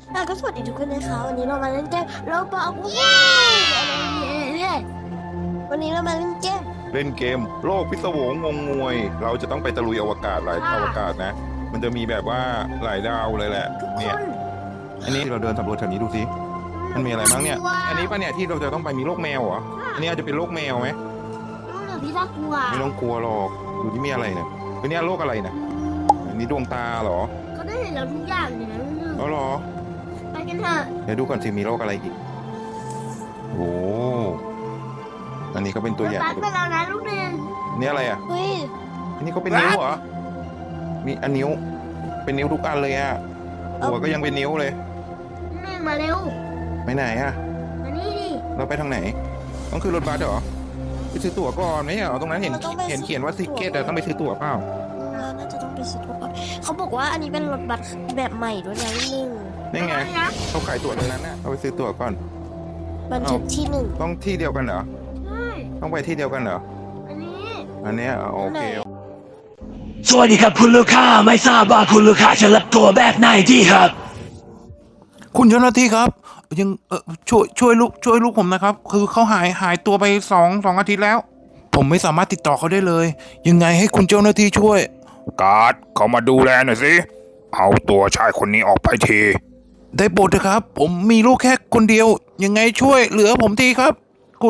ก็สวัสดีทุกคนนะคะวันนี้เรามาเล่นเกมเราบอกวันนี้เรามาเล่นเกมโลกพิศวงงงงวยเราจะต้องไปตะลุยอวกาศหลายอวกาศนะมันจะมีแบบว่าหลายดาวเลยแหละเนี่ยอันนี้เราเดินสำรวจแถวนี้ดูสิมันมีอะไรบ้างเนี่ยอันนี้ป่ะเนี่ยที่เราจะต้องไปมีโรคแมวเหรออันนี้อาจจะเป็นโรคแมวไหมพี่น่ากลัวไม่ต้องกลัวหรอกดูที่มีอะไรเนี่ยอันนี้โรคอะไรนะอันนี้ดวงตาเหรอเขาได้เห็นเราทุกอย่างเลยนะอ๋อเหรอไปกันเถอะเดี๋ยวดูก่อนสิมีโรคอะไรอีกโอ้อันนี้ก็เป็นตัวอย่างไปแล้วนะลูกเรียนนี่อะไรอ่ะเฮ้ยอันนี้ก็เป็นนิ้วเหรอมีอันนิ้วเป็นนิ้วทุกอันเลยอ่ะหัวก็ยังเป็นนิ้วเลยแม่มาเร็วไปไหนอ่ะมานี่ดิเราไปทางไหนต้องขึ้นรถบัสเหรอไปซื้อตั๋วก่อนไหมเหรอตรงนั้นเห็นเขียนว่าติเกตแต่ต้องไปซื้อตั๋วเปล่าน่าจะต้องไปซื้อตั๋วก่อนเขาบอกว่าอันนี้เป็นรถบัสแบบใหม่ด้วยนะนี่ไงเขาขายตั๋วตรงนั้นน่ะเอาไปซื้อตั๋วก่อนบันทึกที่1 ต้องที่เดียวกันเหรอใช่ต้องไปที่เดียวกันเหรออันนี้โอเคสวัสดีครับคุณลูกค้าไม่ทราบว่าคุณลูกค้าจะรับตัวแบบไหนดีครับคุณเจ้าหน้าที่ครับยังช่วยลูกผมนะครับคือเขาหายตัวไปสองอาทิตย์แล้วผมไม่สามารถติดต่อเขาได้เลยยังไงให้คุณเจ้าหน้าที่ช่วยการ์ดเขามาดูแลหน่อยสิเอาตัวชายคนนี้ออกไปทีได้โปรดเถอะครับผมมีลูกแค่คนเดียวยังไงช่วยเหลือผมทีครับคุณ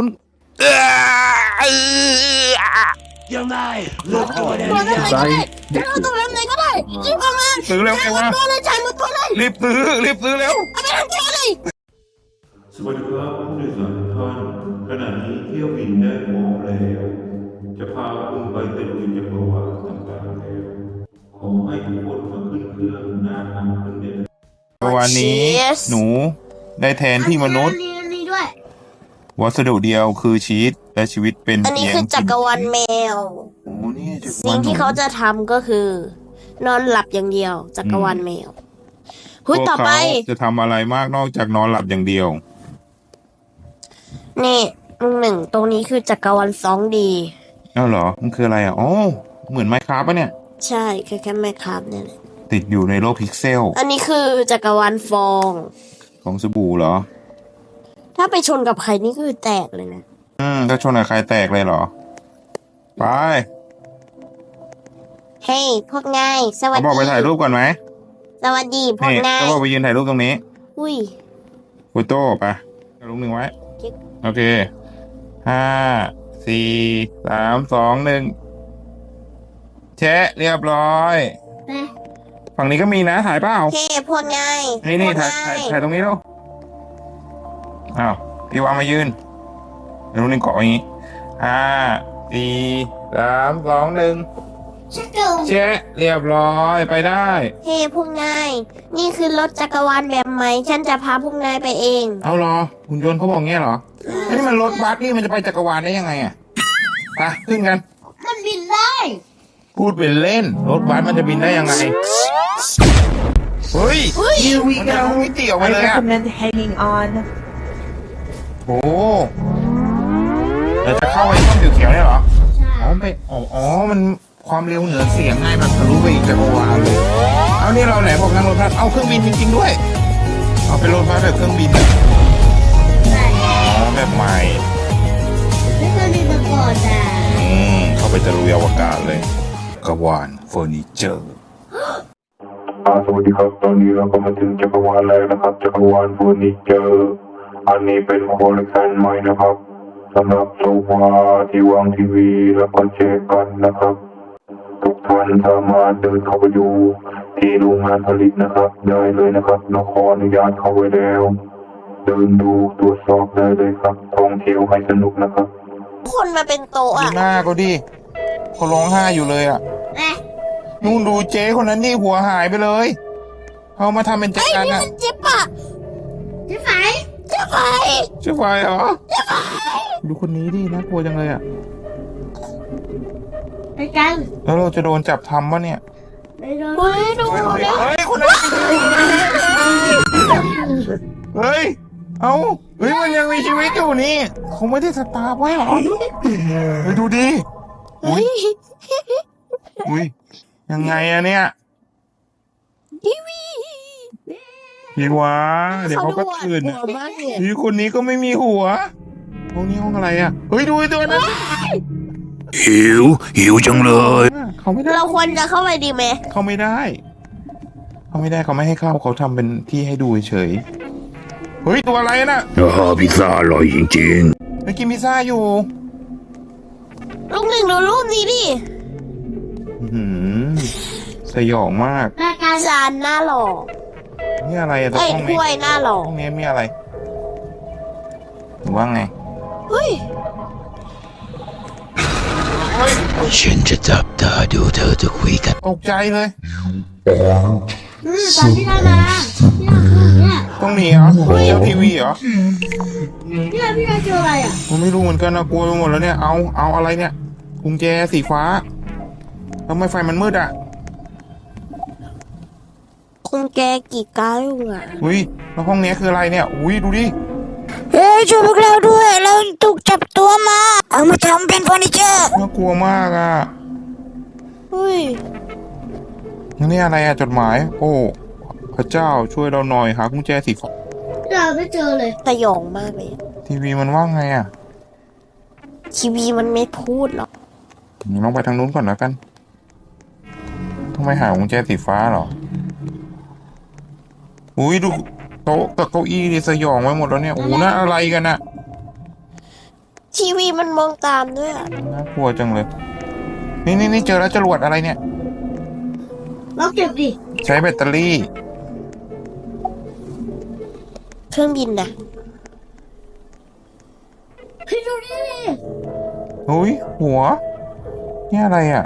ยังไงลูกตัวเนี่ยใส่เอาตัวแบบไหนก็ได้รีบเอามาซื้อแล้วไงวะตัวเลยจ่ายหมดตัวเลยรีบซื้อแล้วเอาไปทำตัวเลยสวัสดีครับผู้โดยสารทุกท่านขณะนี้เที่ยวบินได้พร้อมแล้วจะพาคุณไปตะลุยจักรวาลต่างๆแล้วขอให้ทุกคนมาขึ้นเครื่องหน้าทางขึ้นได้วันนี้หนูได้แทนที่มนุษย์วัสดุเดียวคือชีสและชีวิตเป็นอันนี้คือจักรวาลแมวสิ่งที่เขาจะทำก็คือ นอนหลับอย่างเดียวจักรวาลแมวต่อไปจะทำอะไรมากนอกจากนอนหลับอย่างเดียวนี่1ตรงนี้คือจักรวาล 2D อ้าวเหรอมันคืออะไรอ่ะอ๋อเหมือนไมค์คราฟต์ป่ะเนี่ยใช่แค่ไมค์คราฟต์เนี่ยแหละติดอยู่ในโลกพิกเซลอันนี้คือจักรวาลฟองของสบู่เหรอถ้าไปชนกับใครนี่คือแตกเลยนะถ้าชนกับใครแตกเลยเหรอไปเฮ้ยพวกนายสวัสดีบอกไปถ่ายรูปก่อนไหมสวัสดีพวกนายก็บอกไปยืนถ่ายรูปตรงนี้อุ้ยโฟโต้ไปรูปหนึ่งไว้โอเค5 4 3 2 1แชะเรียบร้อยฝั่งนี้ก็มีนะถ่ายเปล่าเฮ้พวกนายนี่ถ่ายตรงนี้ดูอ้าวพี่วางมายืนรูปหนึ่งเกาะอย่างนี้5 4 3 2 1แชะเรียบร้อยไปได้เฮ้พวกนายนี่คือรถจักรวาลแบบใหม่ฉันจะพาพวกนายไปเองเอาเหรอหุ่นยนต์เขาบอกงี้เหรอนี่มันรถบัสนี่มันจะไปจักรวาลได้ยังไงอ่ะไปขึ้นกันมันบินได้พูดเป็นเล่นรถบัสมันจะบินได้ยังไงเฮ้ย Here we go มิติออกมาเลย recommend hanging on โอ้เราจะเข้าไปช่องเขียวๆเนี่ยเหรออ๋อมันความเร็วเหนือเสียงง่ายแบบทะลุไปอีกจักรวาลเลยเอานี่เราไหนบอกนั่งรถบัสเอาเครื่องบินจริงๆด้วยเอาเป็นรถบัสแบบเครื่องบินแบบใหม่ไม่เคยมีมาก่อนจ้ะเข้าไปตะลุยอวกาศเลยกวาลเฟอร์นิเจอร์สวัสดีครับตอนนี้เราก็มาถึงจักรวาลแล้วนะครับจักรวาลเฟอร์นิเจอร์อันนี้เป็นคอลเลคชันใหม่นะครับสำหรับโซฟาที่วางทีวีแล้วก็แชร์กันนะครับทุกท่านสามารถเดินเข้าไปดูที่โรงงานผลิตนะครับได้เลยนะครับเราขออนุญาตเข้าไว้แล้วเดินดูตรวจสอบได้เลยครับท่องเที่ยวให้สนุกนะครับคนมาเป็นโต๊ะอ่ะหน้าก็ดิเขาร้องไห้อยู่เลยอ่ะนู่นดูเจ๊คนนั้นนี่หัวหายไปเลยเขามาทำเป็นจักรยานอ่ะเจ๊ปะเจ๊ไฟเหรอดูคนนี้ดิน่ากลัวจังเลยอ่ะไปกันแล้วเราจะโดนจับทำวะเนี่ยเฮ้ยดูคนนั้นเฮ้ยมันยังมีชีวิตอยู่นี่เขาไม่ได้สตาร์ไว้หรอไปดูดิอุ้ยยังไงอะเนี่ยพี่วะเดี๋ยวเขาก็ตื่นหัอะวมากเลยพี่คนนี้ก็ไม่มีหัวห้องนี้ห้องอะไรอ่ะเฮ้ยดูไอ้ตัวนั้นหิวจังเลยเขาไม่ได้เราควรจะเข้าไปดีไหมเขาไม่ได้เขาไม่ได้เขาไม่ให้เข้าเขาทำเป็นที่ให้ดูเฉยเฮ้ยตัวอะไรน่ะพิซซ่าอร่อยจริงไปกินพิซซ่าอยู่ลุงหนึ่งดูรูปนี้ดิอื้อหือสยองมากจานหน้าหล่อนี่อะไรอะตัวเอ้ยห้องถ้นี้วยหน้าหล่อห้องนี้มีอะไรหรือว่าไงเฮ้ยๆฉันจะจับตาดูเธอจะคุยกันตกใจเลยตอนที่เรามาเนี่ยต้องหนีเหรอเจ้าทีวีเหรอพี่เราเจออะไรอ่ะผมไม่รู้เหมือนกันนะกลัวไปหมดแล้วเนี่ยเอาอะไรเนี่ยกุญแจสีฟ้าทำไมไฟมันมืดอ่ะคงแกกี่ก้าวอยู่อ่ะอุ้ยแล้วห้องนี้คืออะไรเนี่ยอุ้ยดูดิเฮ้ยช่วยพวกเราด้วย เราถูกจับตัวมา เอามาทำเป็นเฟอร์นิเจอร์น่ากลัวมากอ่ะเฮ้ยนี่อะไรอ่ะจดหมาย โอ้พระเจ้าช่วยเราหน่อยหากุญแจสีฟ้าเราไม่เจอเลยสยองมากเลยทีวีมันว่าไงอ่ะทีวีมันไม่พูดหรอกลองไปทางนู้นก่อนแล้วกันทำไมหากุญแจสีฟ้าเหรออุ้ยดูโต๊ะกับเก้าอี้นี่สยองไว้หมดแล้วเนี่ยโอ้โหน่าอะไรกันน่ะทีวีมันมองตามด้วยอ่ะน่ากลัวจังเลย นี่เจอแล้วจรวดอะไรเนี่ยเราเก็บดิใช้แบตเตอรี่เครื่องบินนะเฮ้ยดูนี่ดิอุ้ยหัว นี่อะไรอ่ะ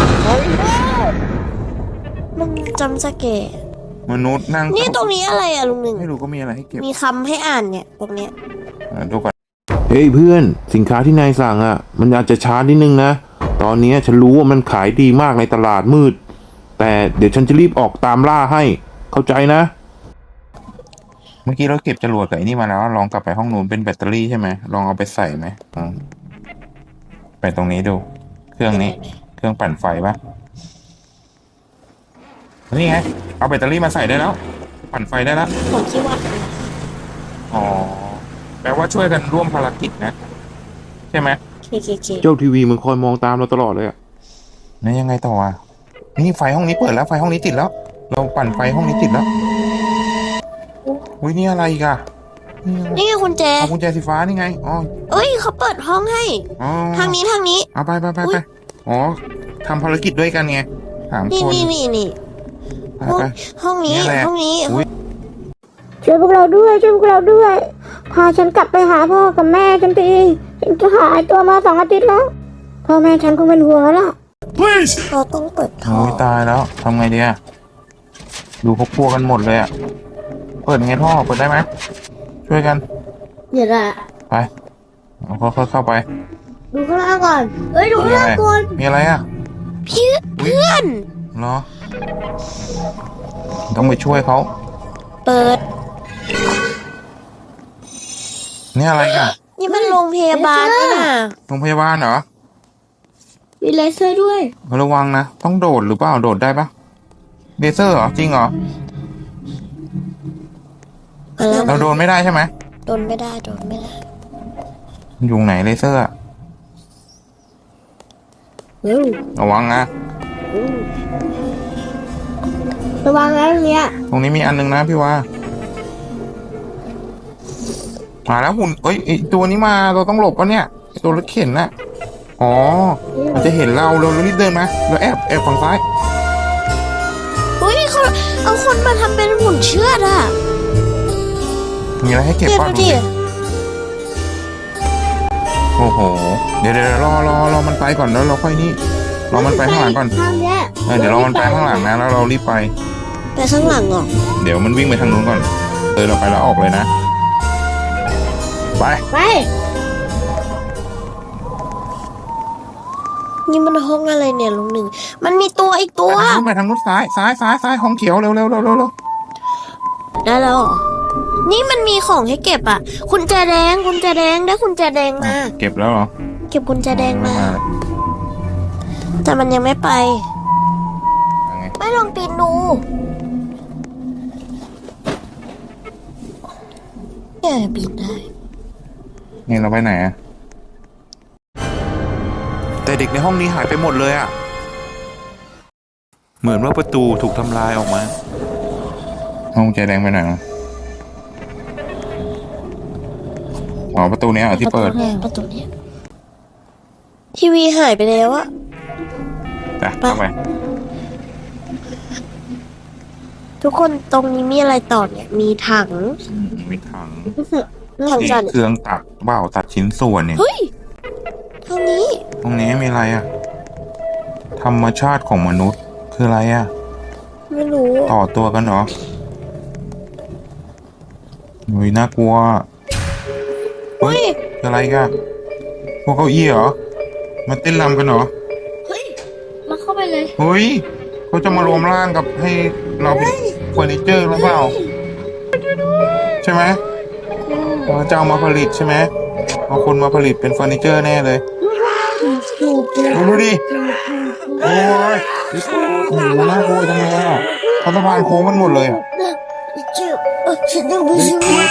มันจำสเกตมนุษย์นั่งนี่ตรงนี้อะไรอ่ะลุงหนึ่งไม่รู้ก็มีอะไรให้เก็บมีคำให้อ่านเนี่ยตรงเนี้ยดูก่อนเฮ้ยเพื่อนสินค้าที่นายสั่งอ่ะ มันอาจจะช้านิดนึงนะ ตอนนี้ฉันรู้ว่ามันขายดีมากในตลาดมืด แต่เดี๋ยวฉันจะรีบออกตามล่าให้ เข้าใจนะ เมื่อกี้เราเก็บจรวดกับไอ้นี่มาแล้วลองกลับไปห้องนู้นเป็นแบตเตอรี่ใช่ไหมลองเอาไปใส่ไหมไปตรงนี้ดู เครื่องนี้ เครื่องปั่นไฟปะนี่ไงเอาแบตเตอรี่มาใส่ได้แล้ว ปั่นไฟได้แล้วผมคิดว่าอ๋อแปลว่าช่วยกันร่วมภารกิจนะ ใช่ไหมเคเจ้าทีวีมันคอยมองตามเราตลอดเลยอ่ะนี่ยังไงต่ออ่ะนี่ไฟห้องนี้เปิดแล้วไฟห้องนี้ติดแล้ว เราปั่นไฟห้องนี้ติดแล้วอุ้ยนี่อะไรอีกอ่ะนี่ไงกุญแจเอากุญแจสีฟ้านี่ไงอ๋อเอ้ยเขาเปิดห้องให้อ๋อทางนี้ทางนี้เอาไปอุ๊ยอ๋อทำภารกิจด้วยกันไงสามนี่คนนี่ไปห้องไปห้องนี้นี่แหละห้องนี้อุ๊ยช่วยพวกเราด้วย ช่วยพวกเราด้วย พาฉันกลับไปหาพ่อกับแม่ฉันทีฉันจะหายตัวมา2 อาทิตย์แล้ว พ่อแม่ฉันคงเป็นห่วงแล้วล่ะเราต้องเปิดท่อโอ้ยตายแล้วทำไงดีอ่ะดูเขากลัวกันหมดเลยอ่ะเปิดไงท่อเปิดได้ไหมช่วยกันเดี๋ยวละไปเอาค่อยๆเข้าไปดูข้างล่างก่อนเอ้ยดูข้างล่างก่อนมีอะไรอ่ะเพื่อนเหรอต้องไปช่วยเขาเปิดนี่อะไรอ่ะนี่มันโรงพยาบาลนี่นะโรงพยาบาลเหรอมีเลเซอร์ด้วยระวังนะต้องโดดหรือเปล่าโดดได้ปะเลเซอร์เหรอจริงเหรอเราโดนไม่ได้ใช่ไหมโดนไม่ได้โดนไม่ได้อยู่ไหนเลเซอร์อะ ระวังนะระวังนะตรงเนี้ยตรงนี้มีอันนึงนะพี่ว่ามาแล้วหุ่นเอ้ยไอ้ตัวนี้มาเราต้องหลบปะเนี่ยไอ้ตัวรถเข็นน่ะอ๋อมันจะเห็นเราเรารีบเดินมาเราแอบฝั่งซ้ายอุ้ยเขาเอาคนมาทำเป็นหุ่นเชือดอ่ะมีอะไรให้เก็บเก็บป่ะดูดูดิดิโอ้โหเดี๋ยวรอมันไปก่อนแล้วเราค่อยนี่รอมันไปข้างหลังก่อนทางเนี้ยเดี๋ยวรอมันไปข้างหลังนะแล้วเรารีบไปไปข้างหลังเหรอเดี๋ยวมันวิ่งไปทางนู้นก่อนเราไปแล้วออกเลยนะไปไปนี่มันห้องอะไรเนี่ยลุงหนึ่งมันมีตัวอีกตัวไปทางนู้นซ้ายห้องเขียวเร็วได้แล้วเหรอนี่มันมีของให้เก็บอ่ะกุญแจแดงได้กุญแจแดงมาเก็บแล้วเหรอเก็บกุญแจแดงมา แต่มันยังไม่ไปยังไงไม่ลองปีนดูแย่บินได้นี่เราไปไหนอะแต่เด็กในห้องนี้หายไปหมดเลยอะเหมือนว่าประตูถูกทำลายออกมาห้องใจแดงไปไหนอะอ๋อประตูเนี้ยที่เปิดประตูเนี้ยทีวีหายไปแล้วอะจ้ะเข้าไปทุกคนตรงนี้มีอะไรต่อเนี่ย มีถังมีถังถังนี่จันเครื่องตัดเบ้าตัดชิ้นส่วนเนี่ยเฮ้ยทางนี้ตรงนี้มีอะไรอะธรรมชาติของมนุษย์คืออะไรอะไม่รู้ต่อตัวกันเหรอเฮ้ยน่ากลัวเฮ้ยคืออะไรกันพวกเก้าอี้เหรอมาเต้นรำกันเหรอเฮ้ย มาเข้าไปเลยเฮ้ยเขาจะมารวมร่างกับให้เราเป็นเฟอร์นิเจอร์หรือเปล่าใช่ไหมเขาจะเอามาผลิตใช่ไหมเอาคนมาผลิตเป็นเฟอร์นิเจอร์แน่เลยดูดิโอ้ยโอ้โหน่ากลัวจังเลยอ่ะเขาสะพานโค้งกันหมดเลยอ่ะฉันยังไม่ชิว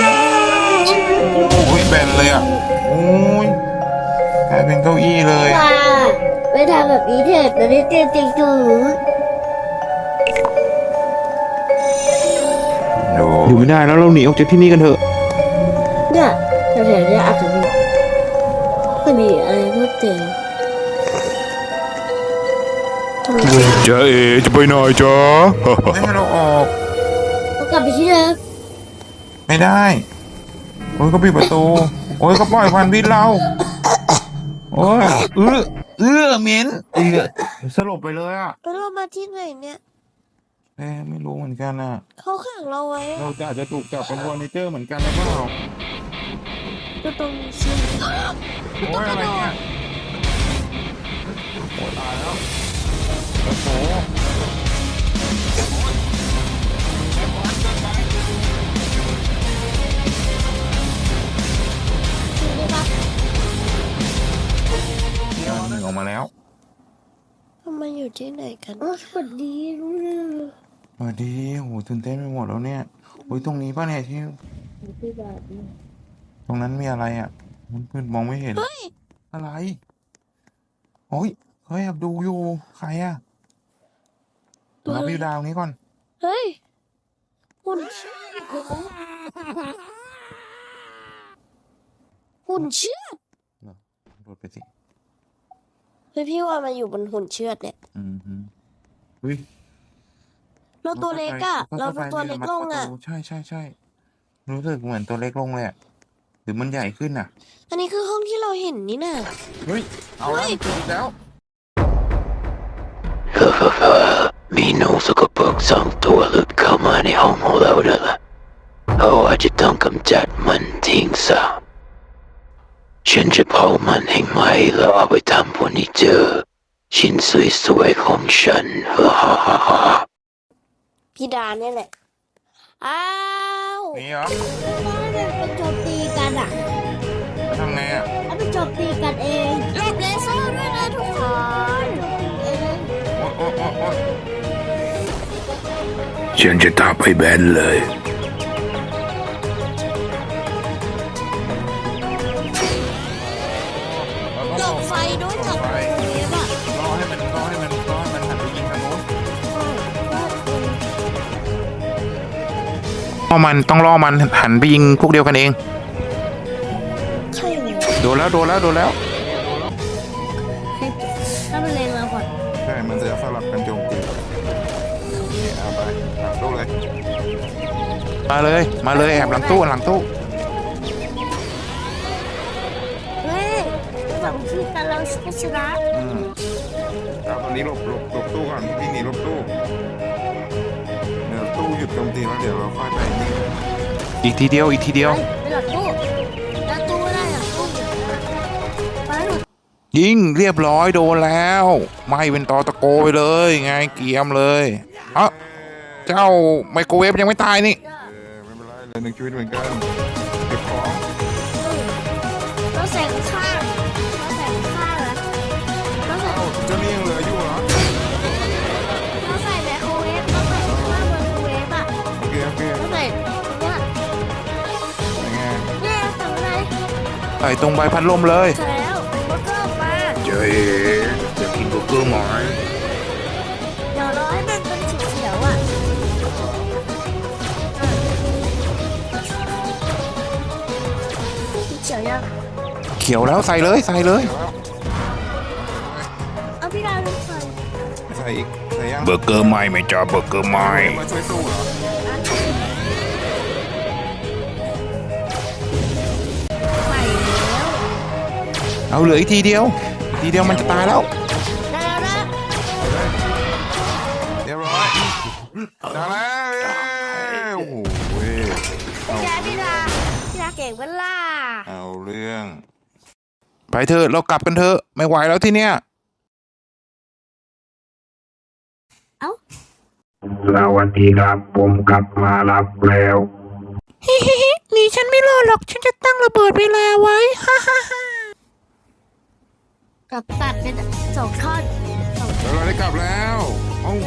โอ้ยแบนเลยอ่ะโอ้ยกลายเป็นเก้าอี้เลยไม่ทำแบบนี้เถิดนะนี่เตี้ยๆจู๋อยู่ไม่ได้แล้วเราหนีออกจากที่นี่กันเถอะเนี่ยแถวๆเนี้ยอาจจะมีอะไรเพิ่มเติมจ๊ะเอจะไปไหนจ๊ะไม่ให้เราออกต้องกลับไปที่เดิมไม่ได้ โอ้ยก็ปิดประตู โอ้ยก็ปล่อยควันพิษเรา โอ้ยเหม็นสลบไปเลยอ่ะแล้วเรามาที่ไหนเนี่ยไม่รู้เหมือนกันอ่ะเขาขังเราไว้เราอาจจะถูกจับเป็นเฟอร์นิเจอร์เหมือนกันหรือเปล่าก็ตรงนี้สิโอ้ยอะไรเนี่ยโอ้ยตายแล้วโอ้โห เดี๋ยวหนึ่งออกมาแล้วทำไมอยู่ที่ไหนกันสวัสดีรู้เรื่องสวัสดีโหตื่นเต้นไปหมดแล้วเนี่ยโอ้ยตรงนี้ป่ะเนี่ยที่ที่แบบตรงนั้นมีอะไรอ่ะมันมืดมองไม่เห็นเฮ้ยอะไรโอ้ยเฮ้ยแอบดูอยู่ ใครอ่ะเราไปดูดาวนี้ก่อนเฮ้ยหุ่นเชือดโดดไปสิเฮ้ยพี่ว่ามันอยู่บนหุ่นเชือดเนี่ยเฮ้ยเราตัวเล็กอะเราตัวเล็กลงอะใช่รู้สึกเหมือนตัวเล็กลงเลยอะหรือมันใหญ่ขึ้นอ่ะอันนี้คือห้องที่เราเห็นนี่น่ะเฮ้ยเอาแล้วมันขึ้นแล้วมีหนูสกปรก2 ตัวหลุดเข้ามาในห้องของเราแล้วล่ะเราอาจจะต้องกำจัดมันทิ้งซะฉันจะเผามันให้ไหม้แล้วเอาไปทำเฟอร์นิเจอร์ชิ้นสวยๆของฉันฮ่าฮ่าฮ่าฮ่าพี่ดาเนี่ยแหละ อ้าวนี่เหรอเป็นโจมตีกันอ่ะทำไงอ่ะแล้วเป็นโจมตีกันเองหลบเลเซอร์ด้วยนะทุกคนโอ๊ยฉันจะทับให้แบนเลยหลบไฟด้วยจากตรงนี้อะรอให้มันหันไปยิงทางโน้นมันต้องล่อมันหันไปยิงพวกเดียวกันเองใช่เลยโดนแล้วถ้ามันเลงเราก่อนใช่ มันจะสลับกันโจมตีนี่เอาไปหลังตู้เลย มาเลยแอบหลังตู้เฮ้ยสองที่กันเราชนะเอาตอนนี้หลบตู้ก่อนพี่หนีหลบตู้เดี๋ยวตู้หยุดโจมตีแล้วเดี๋ยวเราค่อยไปยิงอีกทีเดียวไปหลังตู้แล้วตู้ไม่ได้หลังตู้ไปหลังยิงเรียบร้อยโดนแล้วไม่เป็นตอตะโกไปเลยไงเกียมเลยเอ้าเจ้าไมโครเวฟยังไม่ตายนี่ไม่เป็นไรเลยหนึ่งชีวิตเหมือนกันเก็บของเราใส่ข้างเราใส่ข้างแล้วเราใส่เอ้าเจ้านี่ยังเหลืออยู่เหรอเราใส่ไมโครเวฟเราใส่ข้างไมโครเวฟอ่ะโอเคเราใส่เนี่ยส่ตรงใบพัดลมเลยใช่แล้วเบอร์เกอร์มาเจ๊จะกินเบอร์เกอร์ไหมเดี๋ยวรอให้มันเป็นสีเขียวอ่ะสีเขียวยังเขียวแล้วใส่เลยใส่เลยเอาพี่ดาวลงไปใส่อีกใส่ยังเบอร์เกอร์ใหม่ไหมจ้าเบอร์เกอร์ใหม่มาช่วยสู้เหรอใส่แล้วเอาเหลืออีกทีเดียวมันจะตายแล้วได้แล้วนะเรียบร้อยได้แล้วโอ้โหแกพี่ดาเก่งเวล่าเอาเรื่อง ไปเถอะเรากลับกันเถอะไม่ไหวแล้วที่เนี้ยสวัสดีครับผมกลับมารับแล้วหนีฉันไม่รอดหรอกฉันจะตั้งระเบิดเวลาไว้ฮ่าฮ่าฮ่ากับตัดเป็น2 ท่อนเราได้กลับแล้วเอ้าแม่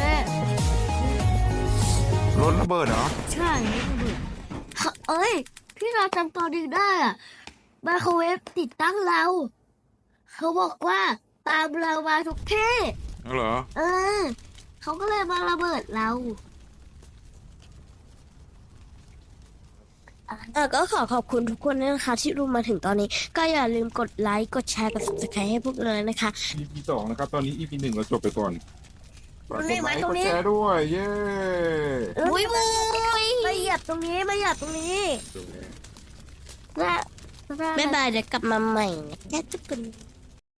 รถระเบิดเหรอใช่เอ้ยพี่เราจำตอนนี้ได้อะไมโครเวฟติดตั้งเรา เขาบอกว่าตามเรามาทุกที่เหรอเขาก็เลยมาระเบิดเราก็ขอขอบคุณทุกคนนะคะที่รู้มาถึงตอนนี้ ก็อย่าลืมกดไลค์กดแชร์กด subscribe ให้พวกเราเลยนะคะ EP 2นะครับตอนนี้ EP 1เราจบไปก่อนตรงนี้ไหมตรงนี้กดแชร์ด้วยเย้มุ้ยมาเหยียบตรงนี้และบ๊ายบายเดี๋ยวกลับมาใหม่นะแค่ทุกคน